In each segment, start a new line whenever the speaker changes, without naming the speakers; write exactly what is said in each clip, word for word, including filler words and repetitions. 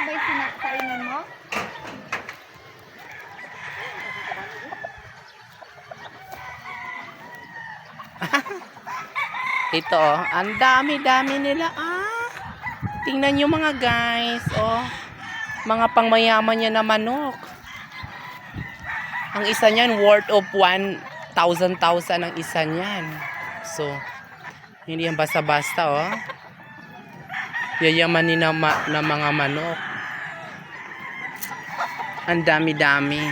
may sinakainan mo?
Ito, oh. Ang dami-dami nila. Ah, tingnan nyo mga guys. Oh, mga pangmayaman niya na manok. Ang isa niyan, worth of one thousand thousand ang isa niyan. So, hindi yan basta-basta, oh. Yayamanin na, ma na mga manok. Ang dami-dami.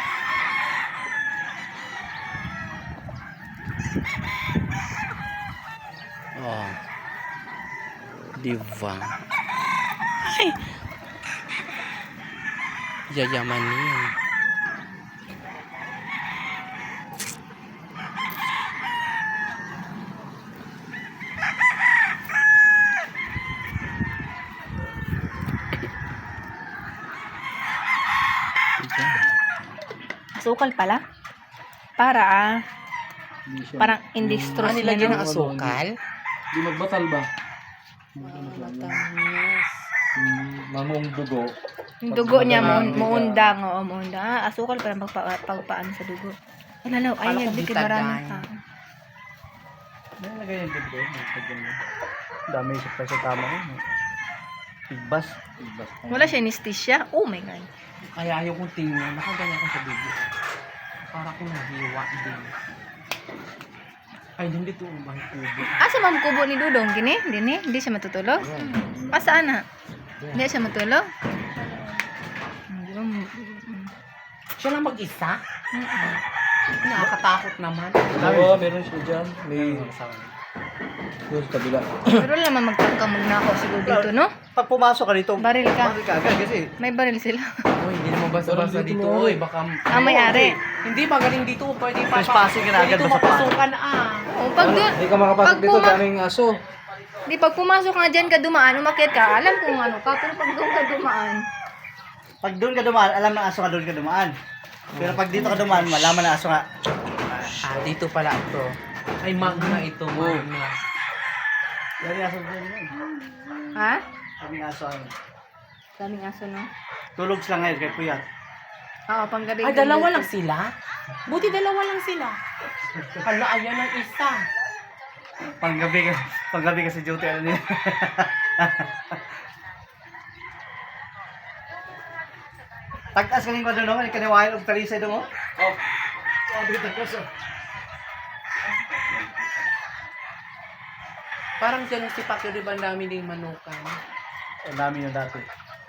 Oh. Diba? Ay! Yayamanin.
Asukal pala. Para ah.
Hindi siya.
Parang industros
Ano
na
nilagyan
no?
ng asukal?
Di magbatal ba?
Matamis.
Hmm, mamong dugo.
Yung dugo niya,
Pag-
mu muundang. Oo, muundang. Ah, asukal pala magpa pagpaan sa dugo. Wala na, ay,
Akala ko
yan, di
bitadine.
marami pa.
Nalagay yung dugo. Dami sa pa sa tama ko. Tigbas. Tigbas.
Wala siya anesthesia. Oh my God.
Kaya ayaw kong tingnan. Nakaganyan ko sa video. Para ko nahiwa din. Ay, hindi to ang bang kubo.
Asa man kubo ni Dudong? Gini? Dini? Hindi siya matutulog? Ah, saan na? Hindi siya matulog? Hindi ba? mm,
Siya lang mag-isa?
mm.
Nakakatakot naman.
Oo, meron siya dyan. May... Doon sa kabila.
Pero wala naman magkakamag na ako siguro dito, no?
Pag pumasok ka dito,
Baril ka.
baril ka agad kasi.
May baril sila.
Uy, hindi naman basta-basta
Pero
dito.
dito mo,
Uy, baka...
Ah, may-ari.
Hindi, magaling dito. Pwede pa.
Trespassing ka na agad,
Pwede
basta pa.
mapasukan ah.
Oh, pag doon,
Hindi ka makapasok
pag
dito,
puma-
daming aso.
di pag pumasok nga dyan ka dumaan, umakyat ka, alam kung ano ka, pero pag doon ka dumaan,
Pag doon ka dumaan, alam ng aso ka doon ka dumaan. Pero pag dito ka dumaan, malaman na aso nga.
Ah, dito pala ito. Ay, magna ito. Magna.
Yan yung aso doon yun.
ha?
Sabi ng aso ano.
Daming aso, no?
Tulog sila ngayon kay Puyat.
Oo, panggabi.
Ay, dalawa lang sila? Buti dalawa lang sila. Hala, ayan ang isa.
Panggabi ka, panggabi kasi duty ano niya. Tagtas kaning ko doon, kaniwain og talisay doon mo. Oh. Sabi tagtas. oh.
Parang dyan si Pacquiao, di ba ang dami din manukan?
Ang dami yung dati.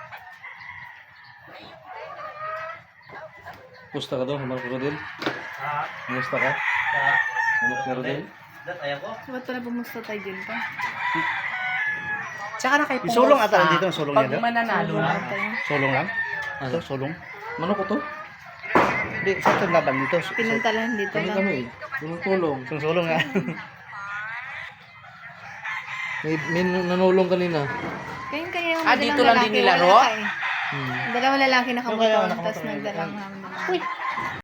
Gusto ka doon, Marco Rodel?
Ah,
Gusto ka?
ah.
Marco Rodel?
Dat ayaw ko.
Ba't pala pumusta tayo dyan pa?
Tsaka na kay
Yung sulong ata nandito, yung sulong
pag
niya doon?
mananalo na.
Sulong lang? Ito, sulong.
Manok ko to?
Hindi, sa itong laban dito.
Pinuntalan dito
Kami
lang.
kami eh. Tulong-tulong.
Sulong sulong nga.
May, may nanulong kanina.
Kaya kanina
Ah, dito lang din nilaro?
Eh.
Hmm.
Dalawang lalaki
Yung kaya
nakamotor,
nakamotor
tapos
na yun.
nagdalang hanggang.
Uy,